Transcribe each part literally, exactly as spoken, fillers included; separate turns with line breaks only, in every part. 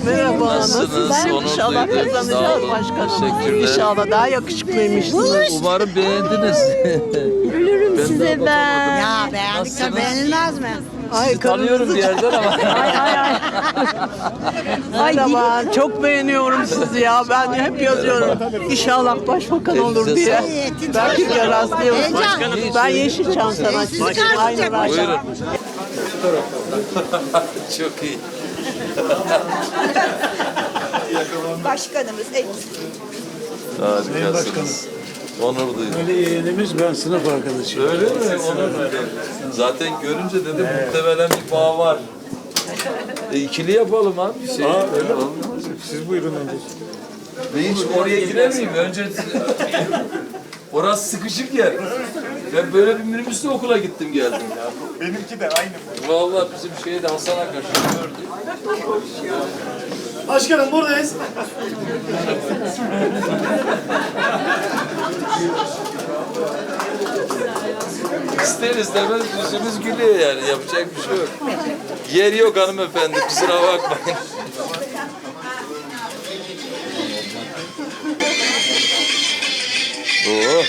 Merhaba,
Nasılsınız?
nasılsınız?
Onur
İnşallah
duydum. Sağ
kazanacağız
olun.
başkanım.
Teşekkürler.
İnşallah daha yakışıklıymışsınız.
Umarım beğendiniz.
Ölürüm
Ben
size
daha
ben.
Ya beğendik de
Nasılsınız?
beğenilmez mi?
Ay
Tanıyorum bir yerden ama.
Ay ay ay. Merhaba, çok beğeniyorum sizi ya. Ben hep yazıyorum. İnşallah başbakan olur
Elinize
diye.
sağlık.
Belki de rastlayalım.
Heyecan.
Ben Yeşilçam sanatçısıyım. Aynı başkanım.
Buyurun. Çok iyi.
Başkanımız eksik.
Harikasınız. Onur duydum.
Ali yeğenimiz, ben sınıf arkadaşıyım.
Öyle mi? Onur duydum. Zaten görünce dedim muhtemelen bir bağ var. E, ikili yapalım abi. Şey,
Aa, öyle mi? Siz buyurun önce.
Ben hiç oraya giremeyeyim. Önce orası sıkışık yer. Ben böyle bir minibüsle okula gittim geldim.
Benimki de aynı.
Vallahi bizim şeyde Hasan Akaş gördü.
Başkanım buradayız.
İster istemez yüzümüz gülüyor yani. Yapacak bir şey yok. Yer yok hanımefendi. Kusura bakmayın. Oo.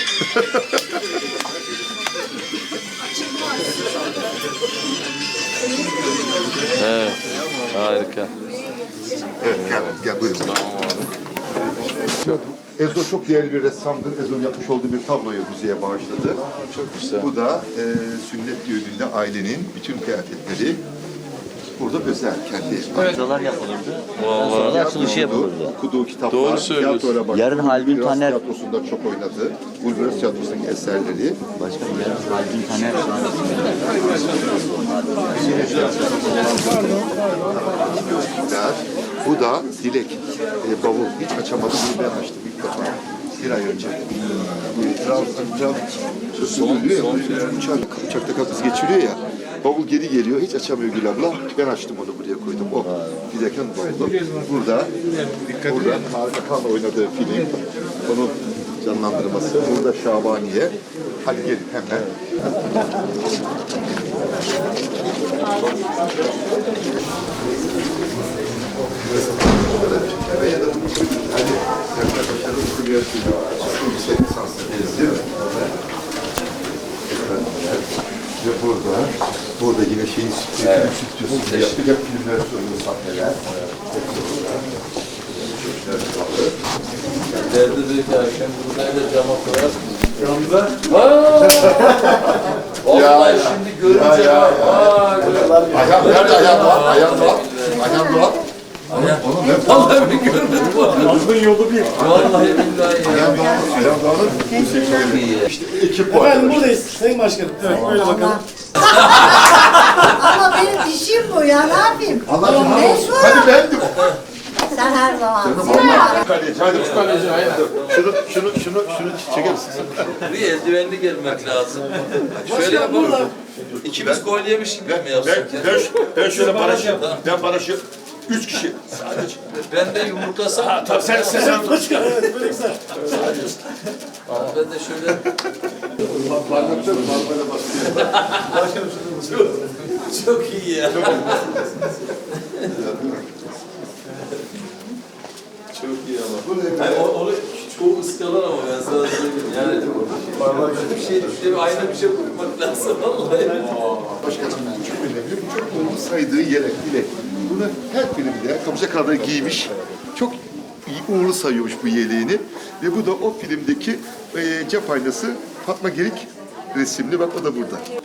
Evet. Harika.
Evet, gel, gel buyurun.
Tamam abi.
Çok, Ezo çok değerli bir ressamdır. Ezo'nun yapmış olduğu bir tabloyu müzeye bağışladı.
Çok güzel.
Bu da e, sünnet düğününde ailenin bütün kıyafetleri burada özel, kendi.
Tiyatrolar yapılırdı.
Vallahi.
Sonra da açılışı
Tiyatrosu,
yapılırdı.
okuduğu kitaplar,
Doğru söylüyorsun.
tiyatroyla başladı.
Yarın Haldun
Ulviras
Taner-
Tiyatrosu'nda çok oynadı. Ulviras Tiyatrosu'ndaki eserleri.
Başkanım yarın Haldun Taner
Dilekler. Bu da Dilek. E, bavul. Hiç açamadım. Bunu ben açtım ilk defa. Bir ay önce. Biraz, biraz söylüyor ya. Uçak, uçakta kapısı geçiriyor ya. Bavul geri geliyor. Hiç açamıyor Gül abla. Ben açtım onu buraya koydum. O Dilek'in bavulu. Burada, burada Harika Kağan'la oynadığı film. Onun canlandırması. Burada Şabaniye. Hadi gelin hemen. Ya da hani Serkan Başarılı Üniversitesi yüksek lisanslı değil mi? Ve burada, burada yine şeyin evet. Stüdyosu yaptık. Hep filmler söylüyor, sahneler.
Derdi dedi ki akşam buradaydı cama koyarsınız. Camda? Vallahi şimdi görünce
ya, ya,
var. Vay,
Ayhan, nerede Ayhan Doğan? Ayhan Doğan. Ayhan Doğan. Onu ben
vallahi bir görmedim var.
Aklın yolu bir.
Vallahi billahi ya.
Ayhan Doğan, Ayhan Doğan'ın bu sektörü. İşte ekip var.
Efendim buradayız Sayın Başkanım. Evet böyle bakalım.
Ama benim dişim bu ya, ne yapayım?
Anlatın ha.
Mecbur.
Hadi bendim.
Sen her zaman.
Kaleci, hadi şu kaleci. Şunu, şunu, şunu, şunu çeker misin?
Bir eldivenli gelmek lazım. Şöyle yapalım. İkimiz gol yemiş gibi mi
Ben,
yapsak
ben,
ya?
ben şöyle barajı, ben barajı üç kişi sadece.
Ben de yumruklasam.
Tabii sen, sen, sen.
Başkanım evet böyle güzel.
Ben de şöyle.
Parmakta mı? Parmağına basıyor.
Çok, çok iyi ya. Çok iyi ama. Yani o- onu çoğu ıskalar ama ben sana söyleyeyim. Yani bir şey, bir ayna bir şey koymak lazım vallahi.
Başkanım çok önemli. Çok saydığı yelek, bilek. Bunu her filmde Kapıca kadar giymiş. Çok iyi, uğurlu sayıyormuş bu yeleğini. Ve bu da o filmdeki e, cep aynası Fatma Gerik resimli. Bak o da burada.